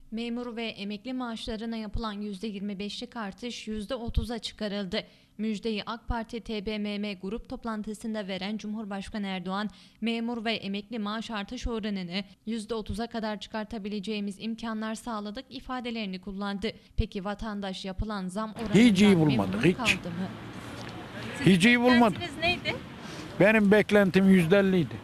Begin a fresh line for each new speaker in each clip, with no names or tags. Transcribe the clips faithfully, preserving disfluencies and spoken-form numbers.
Memur ve emekli maaşlarına yapılan yüzde yirmi beşlik artış yüzde otuza çıkarıldı. Müjdeyi AK Parti T B M M grup toplantısında veren Cumhurbaşkanı Erdoğan, memur ve emekli maaş artış oranını yüzde otuza kadar çıkartabileceğimiz imkanlar sağladık ifadelerini kullandı. Peki vatandaş yapılan zam oranından
hiç iyi
memnun
bulmadık, hiç.
kaldı mı?
Hiç iyi bulmadım.
Beklentiniz neydi?
Benim beklentim yüzde elliydi.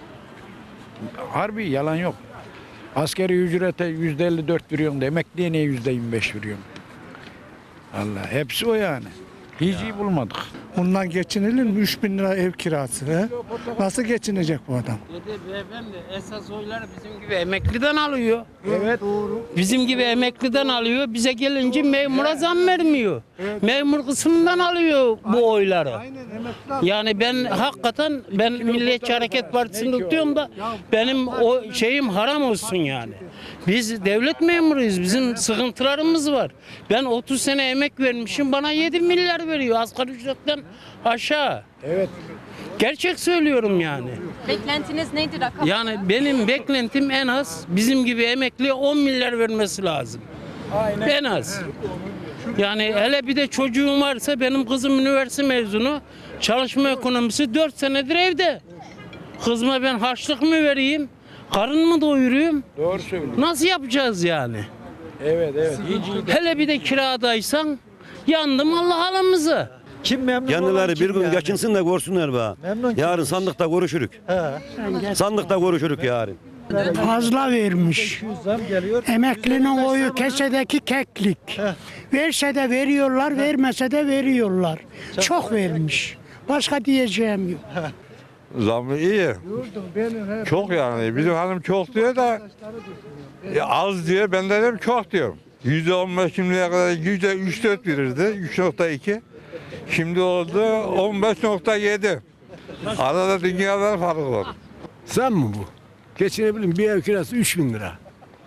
Harbi yalan yok. Askeri ücrete yüzde elli dört veriyorum da emekliye niye yüzde yirmi beş veriyorum? Allah hepsi o yani. Hiç iyi bulmadık.
Bundan geçinilir mi? üç bin lira ev kirası. He? Nasıl geçinecek bu adam?
Dedi beyefendi esas oyları bizim gibi emekliden alıyor.
Evet.
Bizim gibi emekliden alıyor. Bize gelince memura zam vermiyor. Memur kısmından alıyor bu oyları. Yani ben hakikaten ben Milliyetçi Hareket Partisi'ni tutuyorum da benim o şeyim haram olsun yani. Biz devlet memuruyuz. Bizim sıkıntılarımız var. Ben otuz sene emek vermişim. Bana yedi milyar veriyor. Asgari ücretten aşağı.
Evet.
Gerçek söylüyorum yani.
Beklentiniz neydi rakam?
Yani benim beklentim en az bizim gibi emekliye on milyar vermesi lazım.
Aynen.
En az. Yani hele bir de çocuğum varsa benim kızım üniversite mezunu. Çalışma ekonomisi dört senedir evde. Kızıma ben harçlık mı vereyim? Karın mı doyurayım?
Doğru söylüyorsun.
Nasıl yapacağız yani?
Evet evet. Hiç iyi.
Hele bir de kiradaysan yandım Allah halımızı.
Kim memnun
Kendileri
olan
bir
kim
gün
yani?
geçinsin de görsünler be.
Memnun kim?
Yarın sandıkta görüşürük.
He.
Sandıkta görüşürük yarın.
Fazla vermiş.
iki yüz zam geliyor.
Emeklinin oyu kesedeki keklik. Verse de veriyorlar, vermese de veriyorlar. Çok vermiş. Başka diyeceğim yok.
Zamı iyi. Çok yani. Bizim hanım çok diyor da e, az diyor. Ben de dedim çok diyorum. Yüzde on beş şimdiye kadar yüzde üç dört verirdi. üç nokta iki. Şimdi oldu on beş nokta yedi. Arada dünyalar farkı var.
Zam mı bu? Geçinebilirim. Bir ev kirası üç bin lira.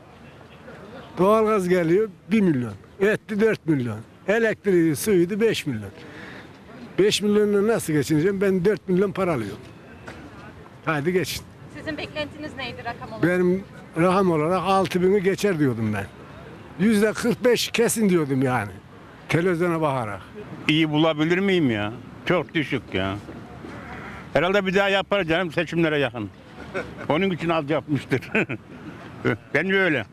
Doğalgaz geliyor bir milyon. Etti dört milyon. Elektriği, suyuydu beş milyon. beş milyonla nasıl geçineceğim? Ben dört milyon para alıyorum. Hadi geçin.
Sizin beklentiniz neydi rakam olarak?
Benim rakam olarak altı bini geçer diyordum ben. Yüzde kırk beş kesin diyordum yani. Televizyona bakarak.
İyi bulabilir miyim ya? Çok düşük ya. Herhalde bir daha yapar canım seçimlere yakın. Onun için az yapmıştır. Bence öyle.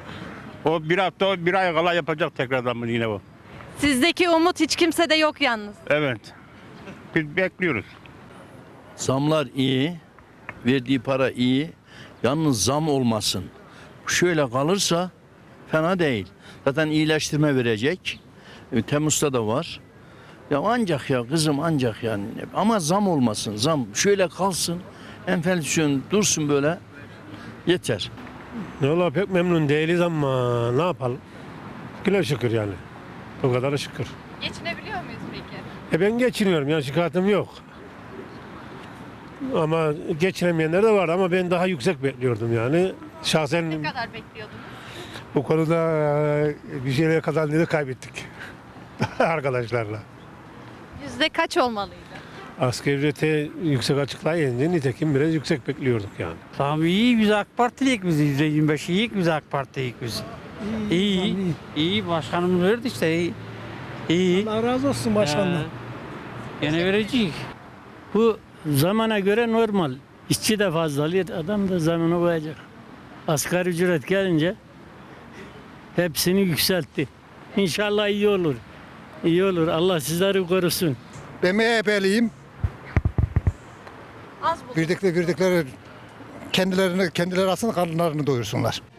O bir hafta, bir ay kala yapacak tekrardan bunu yine o.
Sizdeki umut hiç kimsede yok yalnız.
Evet. Biz bekliyoruz.
Zamlar iyi, verdiği para iyi. Yalnız zam olmasın. Şöyle kalırsa fena değil. Zaten iyileştirme verecek. E, Temmuz'da da var. Ya ancak ya kızım ancak yani. Ama zam olmasın. Zam şöyle kalsın. Enflasyon dursun böyle. Yeter.
Valla pek memnun değiliz ama ne yapalım? Güle şükür yani. O kadar şükür.
Geçinebiliyor muyuz peki?
E ben geçiniyorum yani şikayetim yok. Ama geçinemeyenler de var ama ben daha yüksek bekliyordum yani. Şahsen
Ne kadar bekliyordunuz?
bu konuda e, bir şeyler kazandığını kaybettik arkadaşlarla.
Yüzde kaç olmalıydı?
Asgari ücrete yüksek açıklayınca nitekim biraz yüksek bekliyorduk yani.
Tamam iyi biz AK Partiliyik biz yüzde yirmi beş iyi biz AK Parti'yik biz. İyi iyi, iyi başkanımız verdi işte iyi. İyi.
Allah razı olsun başkanım.
Yine verecek.
Bu zamana göre normal. İşçi de fazla alıyor, adam da zamana koyacak. Asgari ücret gelince hepsini yükseltti. İnşallah iyi olur. İyi olur. Allah sizleri korusun.
Ben M H P'liyim.
Az bulduk.
Verdikleri, verdikleri kendilerini, kendileri aslında karınlarını doyursunlar.